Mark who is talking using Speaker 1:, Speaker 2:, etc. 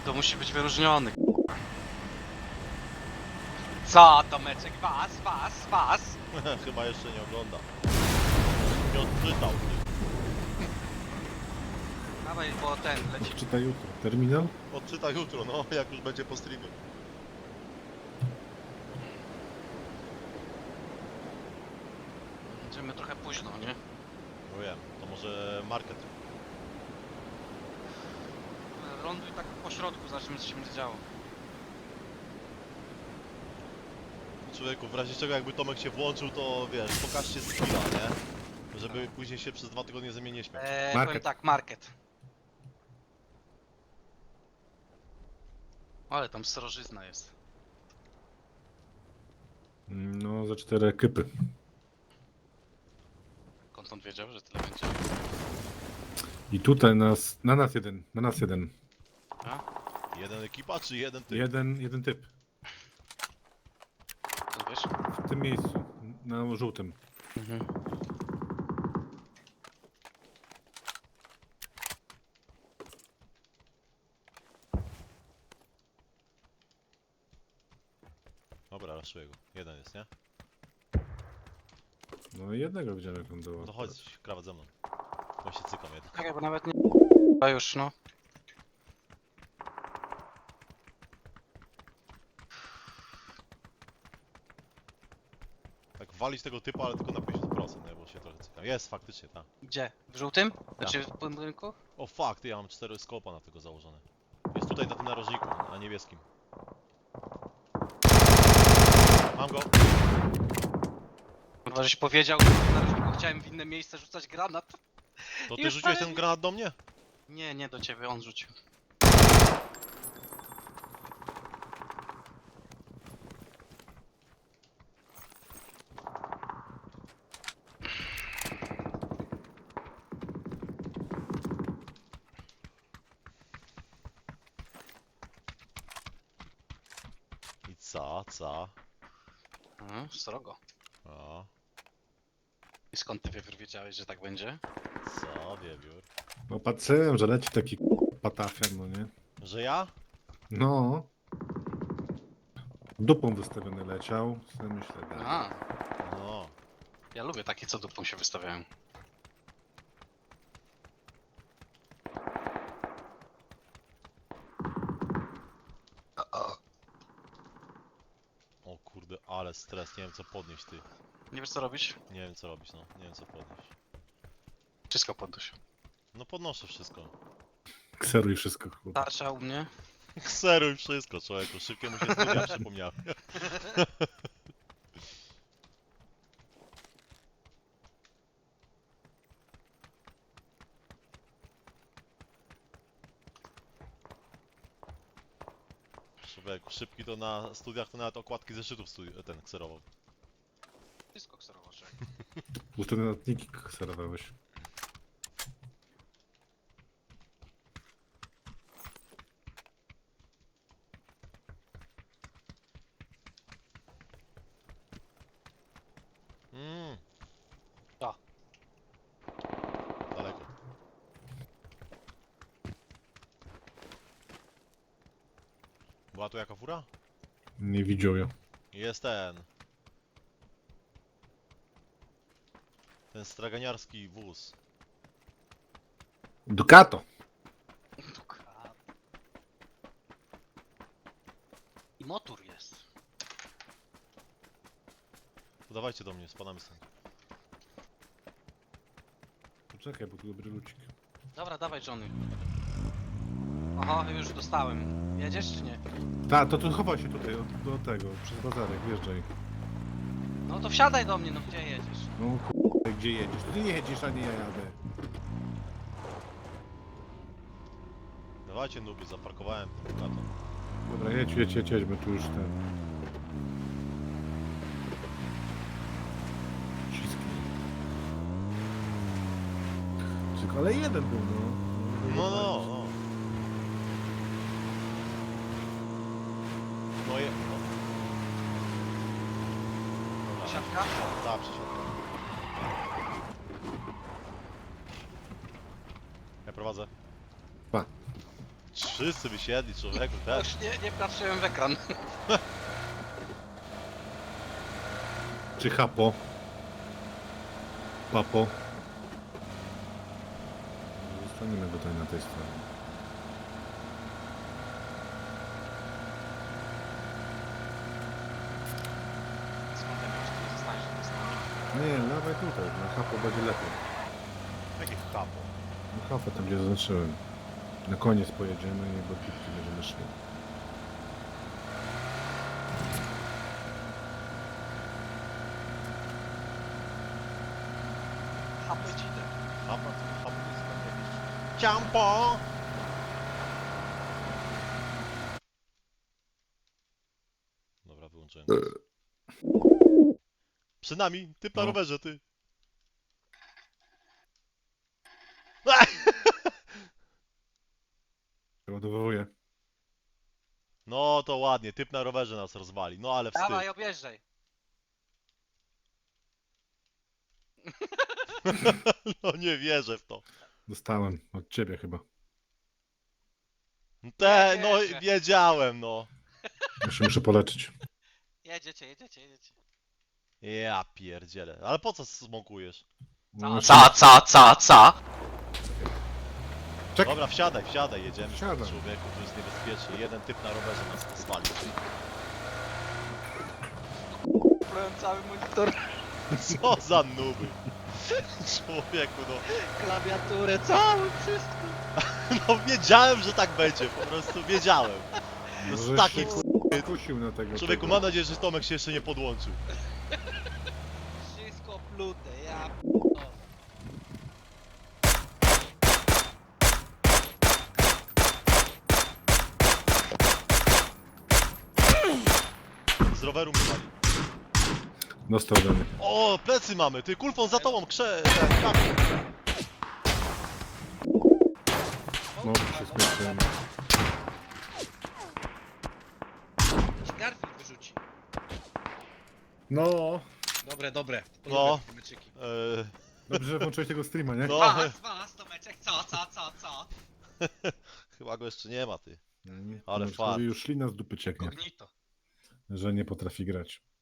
Speaker 1: To musi być wyróżniony. Co to meczek? Was!
Speaker 2: Chyba jeszcze nie ogląda. Nie odczytał.
Speaker 1: Dawaj, bo ten leci.
Speaker 3: Czytaj jutro. Terminal?
Speaker 2: Odczyta jutro, no, jak już będzie po streamie.
Speaker 1: Będziemy trochę późno, nie?
Speaker 2: No wiem, to może market.
Speaker 1: Ląduj tak po środku, zobaczymy co się będzie działo.
Speaker 2: Człowieku, w razie czego jakby Tomek się włączył, to wiesz, pokażcie skilla, nie? Żeby później się przez 2 tygodnie ze mnie nie śmiać.
Speaker 3: Market.
Speaker 1: Powiem tak, market. Ale tam srożyzna jest.
Speaker 3: No, za 4 ekipy.
Speaker 1: Skąd on wiedział, że tyle będzie?
Speaker 3: I tutaj na nas jeden.
Speaker 1: A?
Speaker 2: Jeden ekipa, czy jeden typ?
Speaker 3: Jeden typ.
Speaker 1: To wiesz?
Speaker 3: W tym miejscu. Na żółtym.
Speaker 1: Mhm.
Speaker 2: Dobra, raszuję go. Jeden jest, nie?
Speaker 3: No i jednego widziałem jak on
Speaker 2: No
Speaker 3: było.
Speaker 2: to chodź, krawat ze mną. Bo się cykam jeden.
Speaker 1: Tak, bo nawet nie... A już, no.
Speaker 2: Tak walić tego typa, ale tylko na 50%, nie? Bo się trochę cykam. Jest, faktycznie, tak.
Speaker 1: Gdzie? W żółtym? Znaczy w budynku?
Speaker 2: O fuck, ty, ja mam 4 skopa na tego założone. Jest tutaj na tym narożniku, na niebieskim. Mam go.
Speaker 1: Chyba żeś powiedział, że chciałem w inne miejsce rzucać granat.
Speaker 2: To ty
Speaker 1: Już
Speaker 2: rzuciłeś
Speaker 1: prawie
Speaker 2: ten granat do mnie?
Speaker 1: Nie, nie do ciebie, on rzucił.
Speaker 2: I co?
Speaker 1: Srogo.
Speaker 2: O,
Speaker 1: I skąd ty wiedziałeś, że tak będzie?
Speaker 2: co, wiewiór?
Speaker 3: No patrzyłem, że leci taki patafian, no nie?
Speaker 2: Że ja?
Speaker 3: No. Dupą wystawiony leciał. Sobie myślę,
Speaker 1: A,
Speaker 2: No.
Speaker 1: ja lubię takie, co dupą się wystawiają.
Speaker 2: O kurde, ale stres, nie wiem co podnieść, ty.
Speaker 1: Nie wiesz co robić?
Speaker 2: Nie wiem co robić, no. Nie wiem co podnieść.
Speaker 1: Wszystko podnoś.
Speaker 2: No podnoszę wszystko.
Speaker 3: kseruj wszystko, chłop.
Speaker 1: Tarcza u mnie.
Speaker 2: Kseruj wszystko, człowieku. Szybkiemu się studia przypomniały. Człowieku, szybki to na studiach to nawet okładki zeszytów ten kserował.
Speaker 1: Wszystko ksorowocze.
Speaker 3: Puste notatniki kserowałeś.
Speaker 1: A.
Speaker 2: Daleko. Była tu jaka fura?
Speaker 3: Nie widział ja.
Speaker 2: Jest ten. Ten straganiarski wóz.
Speaker 3: Ducato!
Speaker 1: I motor jest.
Speaker 2: To dawajcie do mnie, spadamy stąd.
Speaker 3: Poczekaj, bo tu dobry lucik.
Speaker 1: Dobra, dawaj Johnny. Oho, już dostałem. Jedziesz czy nie?
Speaker 3: Ta, to tu chowaj się tutaj, do tego, przez bazarek, wjeżdżaj.
Speaker 1: No to wsiadaj do mnie, no gdzie jedziesz?
Speaker 3: No gdzie jedziesz? Ty nie jedziesz, a nie ja jadę.
Speaker 2: Dawajcie nuby, zaparkowałem na to.
Speaker 3: Dobra, jedź, my tu już ten... Wszystkie. Tylko, ale jeden był, no.
Speaker 2: No. No je... No. Dobra.
Speaker 1: Siatka?
Speaker 2: Tak, przesiadka. Ja prowadzę.
Speaker 3: Pa.
Speaker 2: Wszyscy wysiedli, człowieku, też.
Speaker 1: Już nie patrzyłem w ekran.
Speaker 3: Czy Hapo? Papo? Zostaniemy tutaj na tej stronie.
Speaker 1: Skąd ja wiem, czy tu zostaniesz, czy nie zostaniesz?
Speaker 3: Nie, dawaj tutaj, na Hapo będzie lepiej.
Speaker 2: Jakie kapo.
Speaker 3: Na Hapo tam gdzie zaznaczyłem. Na koniec pojedziemy i do pitki będziemy szli.
Speaker 1: Hapedzidę.
Speaker 2: Kapo, kapo jest tam jakieś... Ciampo! Dobra, wyłączyłem. Przed nami, typ na
Speaker 3: No.
Speaker 2: rowerze, ty.
Speaker 3: Przeładowuję.
Speaker 2: No to ładnie, typ na rowerze nas rozwali, no ale wstyd.
Speaker 1: Dawaj, objeżdżaj.
Speaker 2: No nie wierzę w to.
Speaker 3: Dostałem od ciebie chyba.
Speaker 2: No
Speaker 1: wierzę.
Speaker 2: wiedziałem, no.
Speaker 3: Jeszcze muszę poleczyć.
Speaker 1: Jedziecie.
Speaker 2: Ja pierdzielę. Ale po co smokujesz?
Speaker 3: No,
Speaker 1: Co?
Speaker 3: Czek.
Speaker 2: Dobra, wsiadaj, jedziemy.
Speaker 3: Wsiadam.
Speaker 2: Człowieku, to jest niebezpiecznie. Jeden typ na rowerze nas spalił.
Speaker 1: Byłem cały monitor,
Speaker 2: Co za nuby. Człowieku, no.
Speaker 1: klawiaturę, całe wszystko.
Speaker 2: No wiedziałem, że tak będzie, po prostu wiedziałem. To jest
Speaker 3: Żeś
Speaker 2: taki...
Speaker 3: się kusił na tego.
Speaker 2: Człowieku,
Speaker 3: tego.
Speaker 2: mam nadzieję, że Tomek się jeszcze nie podłączył.
Speaker 1: Wszystko plute, ja
Speaker 2: Z roweru mi pali.
Speaker 3: Dostał ode mnie.
Speaker 2: O, plecy mamy, ty, kulfon za tobą, kamień.
Speaker 3: No, się skończyłem.
Speaker 1: Garfield wyrzuci.
Speaker 3: No,
Speaker 1: Dobre.
Speaker 2: No.
Speaker 1: Meczyki.
Speaker 3: dobrze, że włączyłeś tego streama, nie?
Speaker 2: No,
Speaker 1: Was, Tomeczek, co?
Speaker 2: chyba go jeszcze nie ma, ty.
Speaker 3: Nie,
Speaker 2: Ale
Speaker 3: Tomeczkowi
Speaker 2: fart.
Speaker 3: już ślina z dupy cieknie,
Speaker 1: Kognito.
Speaker 3: że nie potrafi grać.